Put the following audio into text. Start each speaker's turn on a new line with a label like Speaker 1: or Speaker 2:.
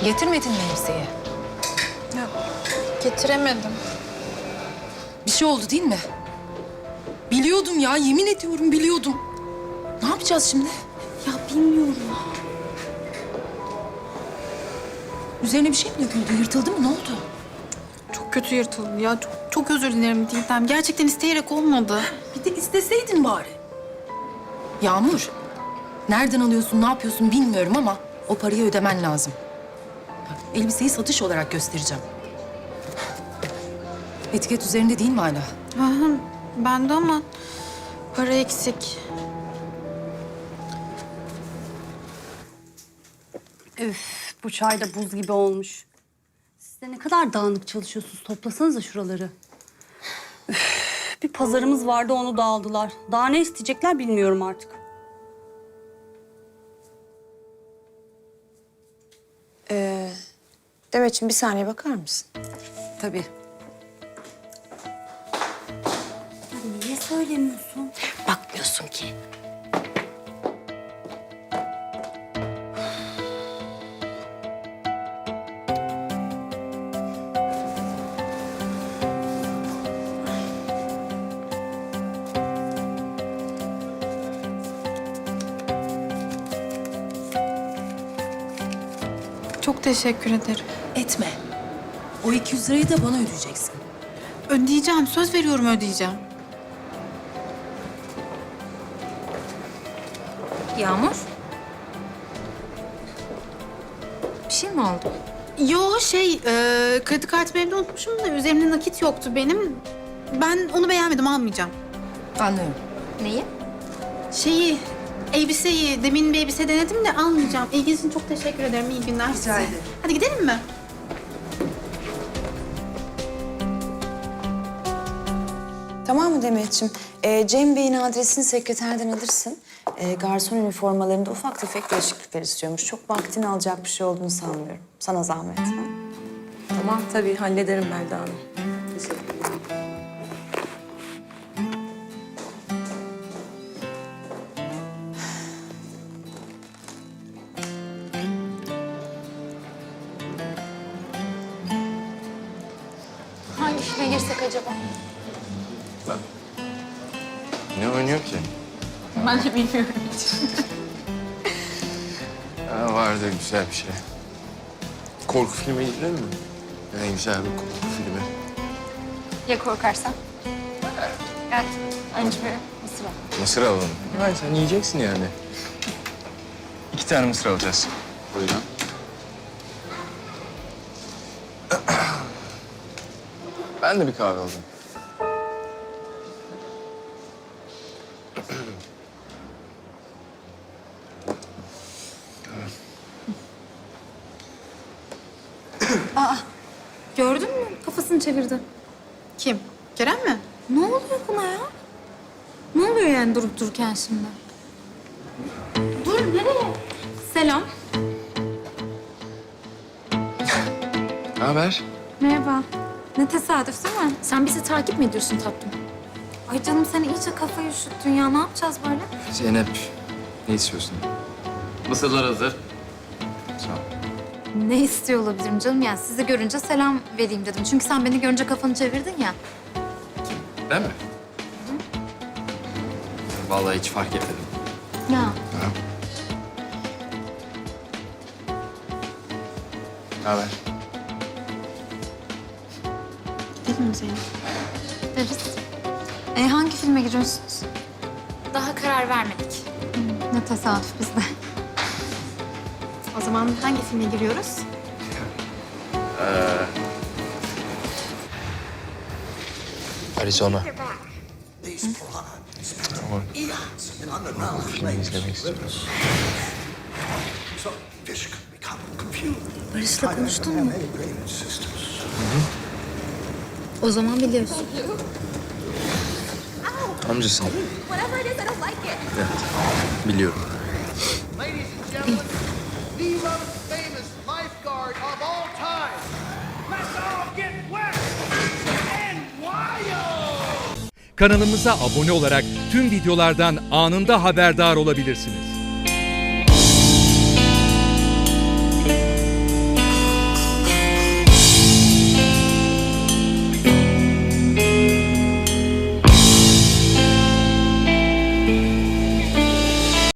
Speaker 1: Getirmedin mi elbiseyi?
Speaker 2: Ya, getiremedim.
Speaker 1: Bir şey oldu değil mi? Biliyordum ya, yemin ediyorum biliyordum. Ne yapacağız şimdi?
Speaker 2: Ya bilmiyorum.
Speaker 1: Üzerine bir şey mi döküldü, yırtıldı mı, ne oldu?
Speaker 2: Çok kötü yırtıldı ya. Çok özür dilerim Didem. Gerçekten isteyerek olmadı.
Speaker 1: Bir de isteseydin bari. Yağmur, nereden alıyorsun, ne yapıyorsun bilmiyorum ama o parayı ödemen lazım. Elbiseyi satış olarak göstereceğim. Etiket üzerinde değil mi hala?
Speaker 2: Aha, bende ama para eksik.
Speaker 3: Üf, bu çay da buz gibi olmuş. Siz de ne kadar dağınık çalışıyorsunuz. Toplasanıza şuraları. Üf, bir pazarımız vardı, onu da aldılar. Daha ne isteyecekler bilmiyorum artık.
Speaker 4: Demetciğim bir saniye bakar mısın?
Speaker 1: Tabii.
Speaker 3: Niye söylemiyorsun?
Speaker 4: Bakmıyorsun ki.
Speaker 2: Çok teşekkür ederim.
Speaker 1: Etme. O 200 lirayı da bana ödeyeceksin.
Speaker 2: Ödeyeceğim. Söz veriyorum ödeyeceğim.
Speaker 5: Yağmur. Bir şey mi oldu?
Speaker 2: Yo kredi kartımı evde unutmuşum da üzerimde nakit yoktu benim. Ben onu beğenmedim, almayacağım.
Speaker 1: Anlıyorum.
Speaker 5: Neyi?
Speaker 2: Elbiseyi, demin bir elbise denedim de almayacağım. İlginiz için çok teşekkür ederim. İyi günler size.
Speaker 1: ederim.
Speaker 2: Hadi gidelim mi?
Speaker 4: Tamam mı Demetciğim? Cem Bey'in adresini sekreterden alırsın. Garson üniformalarında ufak tefek değişiklikler istiyormuş. Çok vaktini alacak bir şey olduğunu sanmıyorum. Sana zahmet. Ha?
Speaker 6: Tamam tabii hallederim Melda Hanım. Teşekkür ederim.
Speaker 5: Hangisine girsek acaba?
Speaker 7: Ne oynuyor ki?
Speaker 2: Ben de bilmiyorum hiç.
Speaker 7: Vardı güzel bir şey. Korku filmi izledin mi? En güzel bir korku filmi.
Speaker 5: Ya korkarsan? Evet. Önce bir mısır al.
Speaker 7: Mısır alalım. Hayır sen yiyeceksin yani. 2 tane mısır alacağız. Buyurun. Ben de bir kahve aldım.
Speaker 5: Gördün mü? Kafasını çevirdi.
Speaker 2: Kim? Kerem mi?
Speaker 5: Ne oluyor buna ya? Ne oluyor yani durup dururken şimdi? Dur, nereye? Selam.
Speaker 7: Ne haber?
Speaker 5: Merhaba. Ne tesadüf değil mi? Sen bizi takip mi ediyorsun tatlım? Ay canım sen iyice kafayı üşüttün ya. Ne yapacağız böyle?
Speaker 7: Zeynep, ne istiyorsun?
Speaker 8: Mısırlar hazır.
Speaker 7: Sağ ol.
Speaker 5: Ne istiyor olabilirim canım? Yani sizi görünce selam vereyim dedim. Çünkü sen beni görünce kafanı çevirdin ya.
Speaker 7: Ben mi? Vallahi hiç fark etmedim.
Speaker 5: Ya.
Speaker 7: Ha. Ne haber?
Speaker 2: Gidelim mi Zeynep?
Speaker 5: Deriz. Hangi filme giriyorsunuz? Daha karar vermedik. Ne tesadüf bizde.
Speaker 2: O zaman hangi filme giriyoruz?
Speaker 7: Arizona. Ama filmi izlemek istiyorum.
Speaker 5: Barış'la konuştun mu? O zaman biliyorsun.
Speaker 7: Amcasın. Evet, biliyorum.
Speaker 9: Ladies and gentlemen, the most famous lifeguard of all time. Let's all get wet and wild.
Speaker 10: Kanalımıza abone olarak tüm videolardan anında haberdar olabilirsiniz.